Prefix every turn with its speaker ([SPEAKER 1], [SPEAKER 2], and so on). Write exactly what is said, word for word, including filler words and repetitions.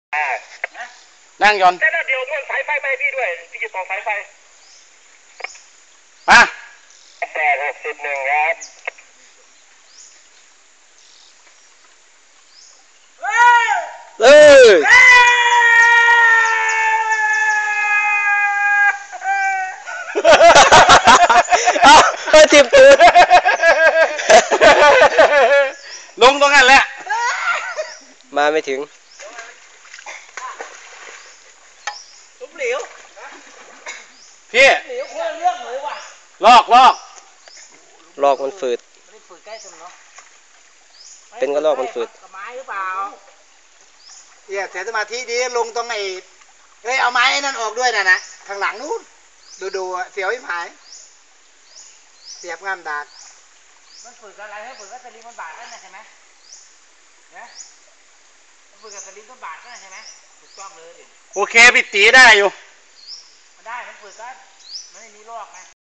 [SPEAKER 1] นั่งยอน
[SPEAKER 2] แต่เดียวด้วยสายไฟไปพี่ด้วยพี่จะต่อสายไฟ
[SPEAKER 1] มา
[SPEAKER 2] แปดหกสิบหนึ่งครับ
[SPEAKER 3] เลยเอาเฮ้ยทิมตูด
[SPEAKER 1] ลงตรงนั้นแหละ
[SPEAKER 3] มาไม่ถึง
[SPEAKER 2] ตุ้มเหลว
[SPEAKER 1] พี่
[SPEAKER 2] เหลวคนเรื่องเลยว่ะ
[SPEAKER 1] ลอกลอก
[SPEAKER 3] ลอกมันฝืด
[SPEAKER 2] ไม่ฝืดใกล้ตรงเนาะ
[SPEAKER 3] เป็นก็ลอกมันฝืด
[SPEAKER 2] กับไม้หรือเปล่าเอี่ยเสียสมาธิดีลงตรงไอ้เอ้ยเอาไม้นั่นออกด้วยนะนะข้างหลังนู้นดูดูเสียวอีหายเสียบงามดากมันฝืดอะไรให้ฝืดก็สลิงมันบาดนั่นนะใช่ไหมเนี่ยฝืดกับสลิงมันบาดนั่นใช่ไหมถูกต้องเลย
[SPEAKER 1] โอเคพี่ตีได้อยู่
[SPEAKER 2] มันได้มันฝืดก็มันไม่มีลอกไง